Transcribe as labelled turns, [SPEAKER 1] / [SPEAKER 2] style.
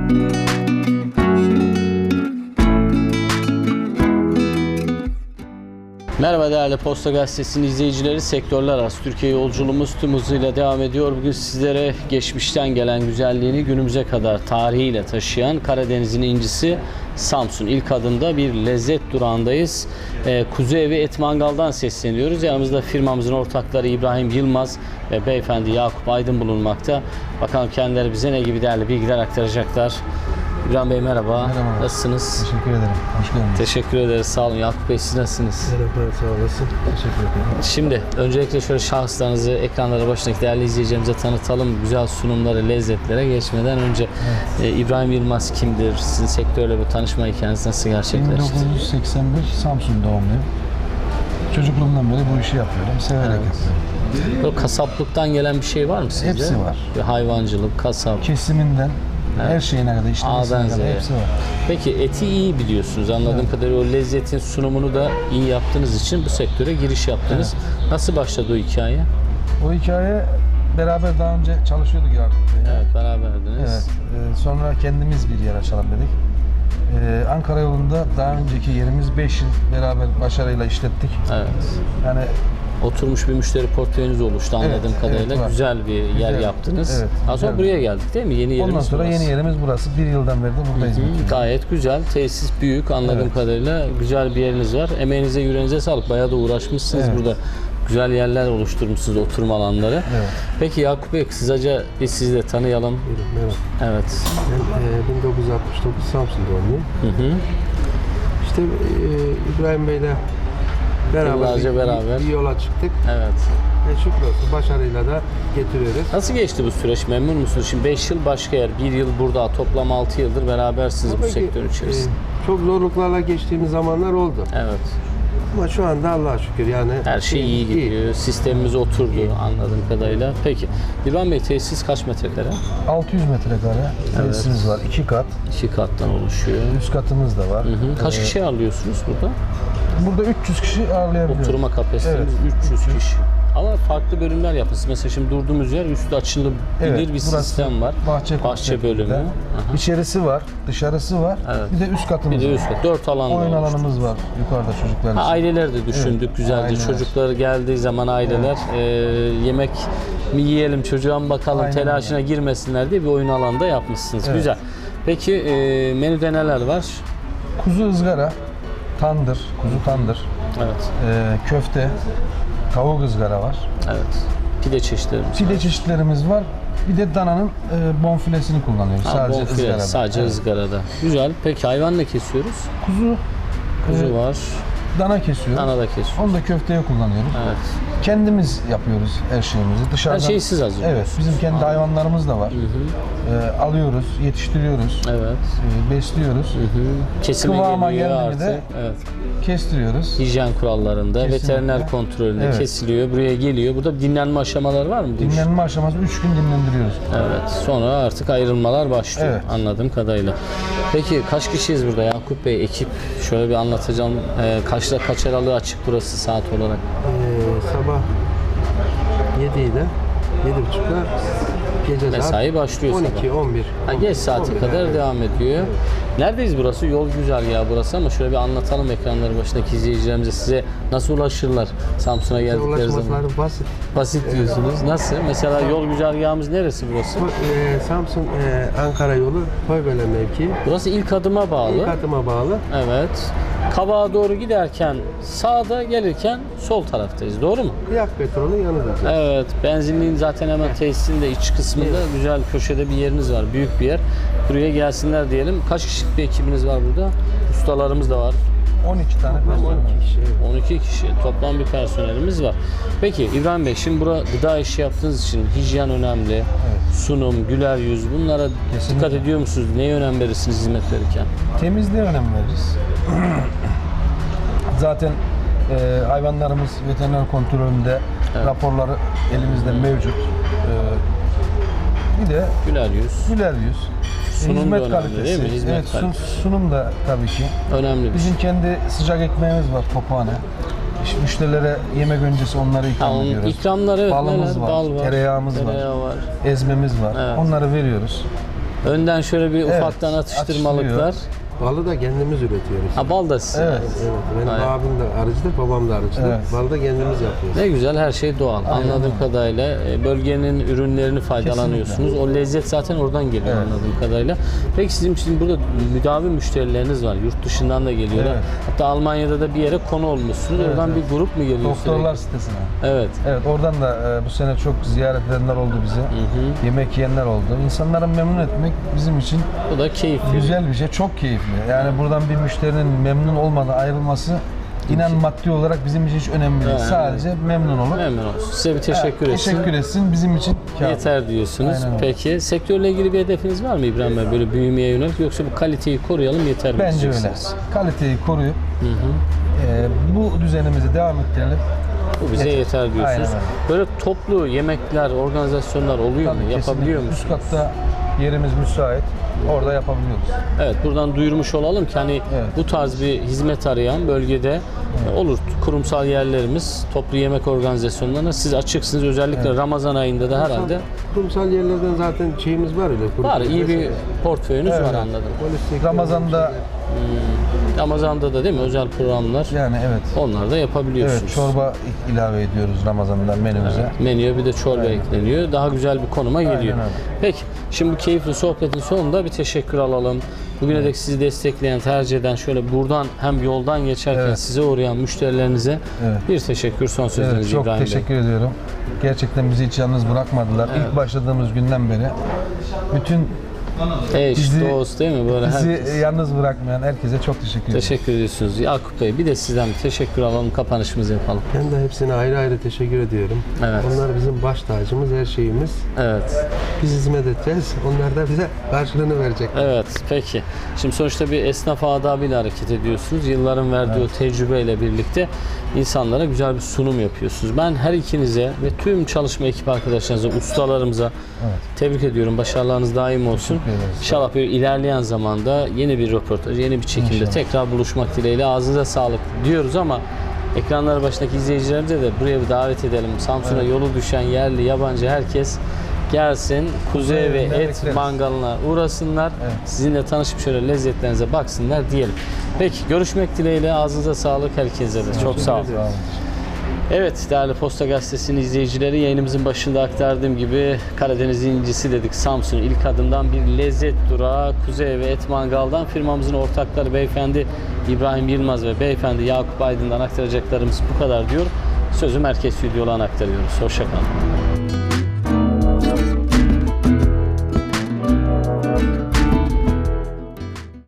[SPEAKER 1] Merhaba değerli Posta Gazetesi'nin izleyicileri, sektörler arası Türkiye yolculuğumuz tüm hızıyla devam ediyor. Bugün sizlere geçmişten gelen güzelliğini günümüze kadar tarihiyle taşıyan Karadeniz'in incisi Samsun. İlk adımda bir lezzet durağındayız. Kuzu Evi Et Mangal'dan sesleniyoruz. Yanımızda firmamızın ortakları İbrahim Yılmaz ve beyefendi Yakup Aydın bulunmakta. Bakalım kendileri bize ne gibi değerli bilgiler aktaracaklar. İbrahim Bey merhaba.
[SPEAKER 2] Merhaba.
[SPEAKER 1] Nasılsınız?
[SPEAKER 2] Teşekkür ederim. Hoş geldiniz.
[SPEAKER 1] Teşekkür ederiz. Sağ olun. Yakup Bey siz nasılsınız?
[SPEAKER 2] Merhaba, sağ olasın. Teşekkür ederim.
[SPEAKER 1] Şimdi öncelikle şöyle şahıslarınızı ekranlara başındaki değerli izleyicilerimize tanıtalım. Güzel sunumları, lezzetlere geçmeden önce İbrahim Yılmaz kimdir? Sizin sektörle bu tanışma hikayeniz nasıl gerçekleşti?
[SPEAKER 2] 1981 Samsun doğumluyum. Çocukluğumdan beri bu işi yapıyorum. Severek yapıyorum.
[SPEAKER 1] Böyle kasaplıktan gelen bir şey var mı sizde?
[SPEAKER 2] Hepsi var.
[SPEAKER 1] Bir hayvancılık, kasap.
[SPEAKER 2] Kesiminden her şeyine kadar, işlemesine
[SPEAKER 1] A'dan
[SPEAKER 2] kadar
[SPEAKER 1] Z'ye.
[SPEAKER 2] hepsi var.
[SPEAKER 1] Peki eti iyi biliyorsunuz. Anladığım kadarıyla o lezzetin sunumunu da iyi yaptığınız için bu sektöre giriş yaptınız. Nasıl başladı o hikaye?
[SPEAKER 2] O hikaye beraber daha önce çalışıyorduk Yakup Bey'le.
[SPEAKER 1] Evet, beraberdiniz.
[SPEAKER 2] Evet. Sonra kendimiz bir yer açalım dedik. Ankara yolunda daha önceki yerimiz 5 yıl beraber başarıyla işlettik.
[SPEAKER 1] Evet.
[SPEAKER 2] Yani
[SPEAKER 1] Oturmuş bir müşteri portföyünüz oluştu anladığım
[SPEAKER 2] Evet,
[SPEAKER 1] kadarıyla.
[SPEAKER 2] evet,
[SPEAKER 1] güzel bir yer
[SPEAKER 2] Güzel.
[SPEAKER 1] yaptınız.
[SPEAKER 2] Evet,
[SPEAKER 1] Daha sonra
[SPEAKER 2] güzel.
[SPEAKER 1] buraya geldik değil mi? Yeni yerimiz
[SPEAKER 2] ondan sonra
[SPEAKER 1] burası.
[SPEAKER 2] yeni yerimiz burası. Bir yıldan beri de buradayız.
[SPEAKER 1] Gayet güzel. Tesis büyük anladığım
[SPEAKER 2] Evet.
[SPEAKER 1] kadarıyla. Güzel bir yeriniz var. Emeğinize, yüreğinize sağlık. Bayağı da uğraşmışsınız
[SPEAKER 2] Evet.
[SPEAKER 1] burada. Güzel yerler oluşturmuşsunuz, oturma alanları.
[SPEAKER 2] Evet.
[SPEAKER 1] Peki Yakup Bey, kısaca biz sizi de tanıyalım.
[SPEAKER 3] Merhaba.
[SPEAKER 1] Evet.
[SPEAKER 3] Ben 1969 Samsun doğumluyum. İşte İbrahim Bey'le
[SPEAKER 1] Yıllarca
[SPEAKER 3] beraber
[SPEAKER 1] beraber.
[SPEAKER 3] bir yola çıktık.
[SPEAKER 1] Evet.
[SPEAKER 3] Şükür olsun başarıyla da getiriyoruz.
[SPEAKER 1] Nasıl geçti bu süreç? Memnun musunuz? Şimdi 5 yıl başka yer, 1 yıl burada. Toplam 6 yıldır berabersiniz bu
[SPEAKER 3] Tabii ki,
[SPEAKER 1] sektörün içerisinde.
[SPEAKER 3] çok zorluklarla geçtiğimiz zamanlar oldu.
[SPEAKER 1] Evet.
[SPEAKER 3] Ama şu anda Allah'a şükür yani
[SPEAKER 1] Her şey iyi gidiyor. Sistemimiz oturdu anladığım kadarıyla. Peki İbrahim Bey, tesis kaç metrekare?
[SPEAKER 2] 600 metrekare tesisimiz var. 2 kat.
[SPEAKER 1] 2 kattan oluşuyor.
[SPEAKER 2] Üst katımız da var.
[SPEAKER 1] Kaç kişi ağırlıyorsunuz burada?
[SPEAKER 2] Burada 300 kişi ağırlayabiliyoruz.
[SPEAKER 1] Oturma kapasitemiz 300 kişi. Ama farklı bölümler yapılsın. Mesela şimdi durduğumuz yer üstü açılabilir bir
[SPEAKER 2] burası
[SPEAKER 1] sistem var. Bahçe bölümü. Aha.
[SPEAKER 2] İçerisi var, dışarısı var.
[SPEAKER 1] Evet.
[SPEAKER 2] Bir de üst katımız
[SPEAKER 1] Bir de
[SPEAKER 2] var.
[SPEAKER 1] üst kat. 4 alanda
[SPEAKER 2] Oyun
[SPEAKER 1] oluştu.
[SPEAKER 2] alanımız var yukarıda çocuklar için.
[SPEAKER 1] Aileler de düşündük
[SPEAKER 2] Evet,
[SPEAKER 1] güzelce.
[SPEAKER 2] aileler.
[SPEAKER 1] Çocuklar geldiği zaman aileler yemek mi yiyelim çocuğa mı bakalım
[SPEAKER 2] Aynen
[SPEAKER 1] telaşına girmesinler diye bir oyun alanda yapmışsınız.
[SPEAKER 2] Evet.
[SPEAKER 1] Güzel. Peki menüde neler var?
[SPEAKER 2] Kuzu ızgara, tandır, kuzu tandır,
[SPEAKER 1] Evet.
[SPEAKER 2] köfte, tavuk ızgara var.
[SPEAKER 1] Evet. Pide çeşitlerimiz
[SPEAKER 2] Pide
[SPEAKER 1] var.
[SPEAKER 2] çeşitlerimiz var. Bir de dananın bonfilesini kullanıyoruz. Sadece
[SPEAKER 1] Bonfile,
[SPEAKER 2] ızgarada.
[SPEAKER 1] sadece
[SPEAKER 2] Evet.
[SPEAKER 1] ızgarada. Güzel. Peki hayvan ne kesiyoruz? Kuzu var.
[SPEAKER 2] Dana kesiyoruz.
[SPEAKER 1] Dana da kesiyoruz.
[SPEAKER 2] Onu da köfteye kullanıyoruz.
[SPEAKER 1] Evet.
[SPEAKER 2] Kendimiz yapıyoruz her şeyimizi. Dışarıdan,
[SPEAKER 1] Her şeyi siz hazırlıyorsunuz.
[SPEAKER 2] Evet, bizim kendi hayvanlarımız da var. Alıyoruz, yetiştiriyoruz,
[SPEAKER 1] Evet.
[SPEAKER 2] Besliyoruz,
[SPEAKER 1] Kesime
[SPEAKER 2] Kıvama
[SPEAKER 1] geliyor
[SPEAKER 2] geldi mi
[SPEAKER 1] artık.
[SPEAKER 2] de-
[SPEAKER 1] Evet.
[SPEAKER 2] kestiriyoruz.
[SPEAKER 1] Hijyen kurallarında,
[SPEAKER 2] Kesinlikle.
[SPEAKER 1] veteriner kontrolünde
[SPEAKER 2] Evet.
[SPEAKER 1] kesiliyor. Buraya geliyor. Burada dinlenme aşamaları var mı? bu iş?
[SPEAKER 2] Dinlenme aşaması 3 gün dinlendiriyoruz.
[SPEAKER 1] Evet. Sonra artık ayrılmalar başlıyor
[SPEAKER 2] Evet.
[SPEAKER 1] anladığım kadarıyla. Peki kaç kişiyiz burada Yakup Bey? Ekip şöyle bir anlatacağım. Kaçta kaç aralığı açık burası saat olarak?
[SPEAKER 3] Sabah 7 ile 7.30'da gece
[SPEAKER 1] Mesai başlıyor sabah.
[SPEAKER 3] 12-11.
[SPEAKER 1] Geç saate kadar devam ediyor. Neredeyiz burası? Yol güzergahı burası ama şöyle bir anlatalım ekranları başındaki izleyicilerimize, size nasıl ulaşırlar Samsun'a geldikleri zaman?
[SPEAKER 3] Ulaşmaları basit.
[SPEAKER 1] Basit diyorsunuz. Nasıl? Mesela yol güzergahımız neresi burası?
[SPEAKER 3] Samsun Ankara yolu Koybele mevkii.
[SPEAKER 1] Burası ilk adıma bağlı.
[SPEAKER 3] İlk adıma bağlı.
[SPEAKER 1] Evet. Kabağa doğru giderken sağda, gelirken sol taraftayız. Doğru mu?
[SPEAKER 3] Kıyak petrolün yanındayız.
[SPEAKER 1] Evet. Benzinliğin zaten hemen tesisin de iç kısmında güzel köşede bir yeriniz var. Büyük bir yer. Buraya gelsinler diyelim. Kaç kişilik bir ekibiniz var burada? Ustalarımız da var.
[SPEAKER 2] 12 tane
[SPEAKER 3] Toplam
[SPEAKER 2] personel
[SPEAKER 3] 12
[SPEAKER 2] var.
[SPEAKER 3] kişi. Evet.
[SPEAKER 1] 12 kişi. Toplam bir personelimiz var. Peki İbrahim Bey, şimdi burada gıda işi yaptığınız için hijyen önemli. Sunum, güler yüz, bunlara dikkat ediyor musunuz? Neye önem verirsiniz hizmet verirken?
[SPEAKER 2] Temizliğe önem veririz. Zaten hayvanlarımız veteriner kontrolünde raporları elimizde mevcut. Bir de
[SPEAKER 1] Güler yüz.
[SPEAKER 2] güler yüz.
[SPEAKER 1] Sunum da
[SPEAKER 2] hizmet
[SPEAKER 1] önemli
[SPEAKER 2] kalitesi.
[SPEAKER 1] değil mi? Hizmet
[SPEAKER 2] Evet,
[SPEAKER 1] kalitesi.
[SPEAKER 2] sunum da tabii ki.
[SPEAKER 1] Önemli bir şey.
[SPEAKER 2] Bizim kendi sıcak ekmeğimiz var, Tophane. İşte müşterilere yemek öncesi onları ikram ediyoruz.
[SPEAKER 1] İkramlar evet,
[SPEAKER 2] Balımız
[SPEAKER 1] neler?
[SPEAKER 2] var,
[SPEAKER 1] Bal var,
[SPEAKER 2] tereyağımız
[SPEAKER 1] tereyağı var.
[SPEAKER 2] Ezmemiz var.
[SPEAKER 1] Evet.
[SPEAKER 2] Onları veriyoruz.
[SPEAKER 1] Önden şöyle bir
[SPEAKER 2] Evet,
[SPEAKER 1] ufaktan atıştırmalıklar.
[SPEAKER 3] Balı da kendimiz üretiyoruz.
[SPEAKER 1] Ha, bal da sizin.
[SPEAKER 2] Evet.
[SPEAKER 3] Evet, benim
[SPEAKER 1] Aynen.
[SPEAKER 3] abim de arıcıdır, babam da arıcıdır.
[SPEAKER 2] Evet.
[SPEAKER 3] Balı da kendimiz yapıyoruz.
[SPEAKER 1] Ne güzel, her şey doğal. Anladığım kadarıyla bölgenin ürünlerini faydalanıyorsunuz. O lezzet zaten oradan geliyor
[SPEAKER 2] Evet.
[SPEAKER 1] anladığım kadarıyla. Peki sizin için burada müdavim müşterileriniz var. Yurt dışından da geliyorlar.
[SPEAKER 2] Evet.
[SPEAKER 1] Hatta Almanya'da da bir yere konu olmuşsunuz.
[SPEAKER 2] Evet,
[SPEAKER 1] Oradan
[SPEAKER 2] evet.
[SPEAKER 1] bir grup mu geliyor
[SPEAKER 2] Doktorlar
[SPEAKER 1] sürekli?
[SPEAKER 2] sitesine.
[SPEAKER 1] Evet.
[SPEAKER 2] Evet, oradan da bu sene çok ziyaret edenler oldu bize. Yemek yiyenler oldu. İnsanları memnun etmek bizim için
[SPEAKER 1] Bu da keyifli.
[SPEAKER 2] güzel bir şey, çok keyifli. Yani buradan bir müşterinin memnun olmadan ayrılması inan maddi olarak bizim için hiç önemli değil.
[SPEAKER 1] Evet.
[SPEAKER 2] Sadece memnun olur.
[SPEAKER 1] Memnun olsun. Size bir teşekkür etsin.
[SPEAKER 2] Teşekkür etsin bizim için kâr.
[SPEAKER 1] Yeter diyorsunuz.
[SPEAKER 2] Aynen öyle.
[SPEAKER 1] Peki sektörle ilgili bir hedefiniz var mı İbrahim Bey? Böyle büyümeye yönelik, yoksa bu kaliteyi koruyalım yeter mi
[SPEAKER 2] Bence öyle.
[SPEAKER 1] diyeceksiniz?
[SPEAKER 2] Kaliteyi koruyup bu düzenimizi devam ettirelim.
[SPEAKER 1] Bu bize yeter diyorsunuz.
[SPEAKER 2] Aynen öyle.
[SPEAKER 1] Böyle toplu yemekler, organizasyonlar oluyor mu?
[SPEAKER 2] Tabii,
[SPEAKER 1] Yapabiliyor
[SPEAKER 2] kesinlikle.
[SPEAKER 1] musunuz?
[SPEAKER 2] Üst katta yerimiz müsait. Orada yapabiliyoruz.
[SPEAKER 1] Evet, buradan duyurmuş olalım ki hani
[SPEAKER 2] Evet.
[SPEAKER 1] bu tarz bir hizmet arayan bölgede olur kurumsal yerlerimiz, toplu yemek organizasyonlarına siz açıksınız. Özellikle Ramazan ayında da herhalde
[SPEAKER 3] Kurumsal yerlerden zaten şeyimiz var öyle.
[SPEAKER 1] var. İyi bir portföyünüz
[SPEAKER 2] Evet.
[SPEAKER 1] var anladım.
[SPEAKER 2] Ramazan'da
[SPEAKER 1] Ramazan'da da değil mi özel programlar?
[SPEAKER 2] yani evet.
[SPEAKER 1] Onlar da yapabiliyorsunuz.
[SPEAKER 2] Evet, çorba ilave ediyoruz Ramazan'da menümüze.
[SPEAKER 1] Menüye bir de çorba ekleniyor. Daha güzel bir konuma geliyor.
[SPEAKER 2] öyle.
[SPEAKER 1] Peki, şimdi bu keyifli sohbetin sonunda bir teşekkür alalım. Bugüne dek sizi destekleyen, tercih eden, şöyle buradan hem yoldan geçerken
[SPEAKER 2] Evet.
[SPEAKER 1] size uğrayan müşterilerinize
[SPEAKER 2] Evet.
[SPEAKER 1] bir teşekkür, son sözünüz
[SPEAKER 2] Evet, çok
[SPEAKER 1] İbrahim Bey.
[SPEAKER 2] teşekkür ediyorum. Gerçekten bizi hiç yalnız bırakmadılar. İlk başladığımız günden beri bütün
[SPEAKER 1] Eş,
[SPEAKER 2] Bizi-
[SPEAKER 1] dost değil mi? Böyle
[SPEAKER 2] bizi
[SPEAKER 1] herkes.
[SPEAKER 2] yalnız bırakmayan herkese çok teşekkür ederim.
[SPEAKER 1] Teşekkür ediyorsunuz. Yakup Bey, bir de sizden bir teşekkür alalım, kapanışımızı yapalım.
[SPEAKER 3] Ben de hepsine ayrı ayrı teşekkür ediyorum.
[SPEAKER 1] Evet.
[SPEAKER 3] Onlar bizim baş tacımız, her şeyimiz.
[SPEAKER 1] Evet.
[SPEAKER 3] Biz hizmet edeceğiz. Onlar da bize karşılığını verecek.
[SPEAKER 1] Evet, peki. Şimdi sonuçta bir esnaf adabıyla hareket ediyorsunuz. Yılların verdiği o tecrübeyle birlikte insanlara güzel bir sunum yapıyorsunuz. Ben her ikinize ve tüm çalışma ekip arkadaşlarınıza, ustalarımıza tebrik ediyorum. Başarılarınız daim olsun.
[SPEAKER 2] Teşekkür ederiz.
[SPEAKER 1] İnşallah böyle ilerleyen zamanda yeni bir röportaj, yeni bir çekimde
[SPEAKER 2] İnşallah.
[SPEAKER 1] tekrar buluşmak dileğiyle. Ağzınıza sağlık diyoruz ama ekranlar başındaki izleyicilerimize de buraya bir davet edelim. Samsun'a yolu düşen yerli, yabancı herkes gelsin. Kuzey ve
[SPEAKER 2] Evinden
[SPEAKER 1] et
[SPEAKER 2] bekleriz.
[SPEAKER 1] mangalına uğrasınlar. Sizinle tanışıp şöyle lezzetlerinize baksınlar diyelim. Peki, görüşmek dileğiyle. Ağzınıza sağlık herkese de. Çok sağ olun.
[SPEAKER 2] Sağ olun.
[SPEAKER 1] Evet, değerli Posta Gazetesi'nin izleyicileri, yayınımızın başında aktardığım gibi Karadeniz'in incisi dedik. Samsun ilk adımdan bir lezzet durağı Kuzey ve Et Mangal'dan firmamızın ortakları beyefendi İbrahim Yılmaz ve beyefendi Yakup Aydın'dan aktaracaklarımız bu kadar diyor. Sözü merkez stüdyolarına aktarıyoruz. Hoşça kalın.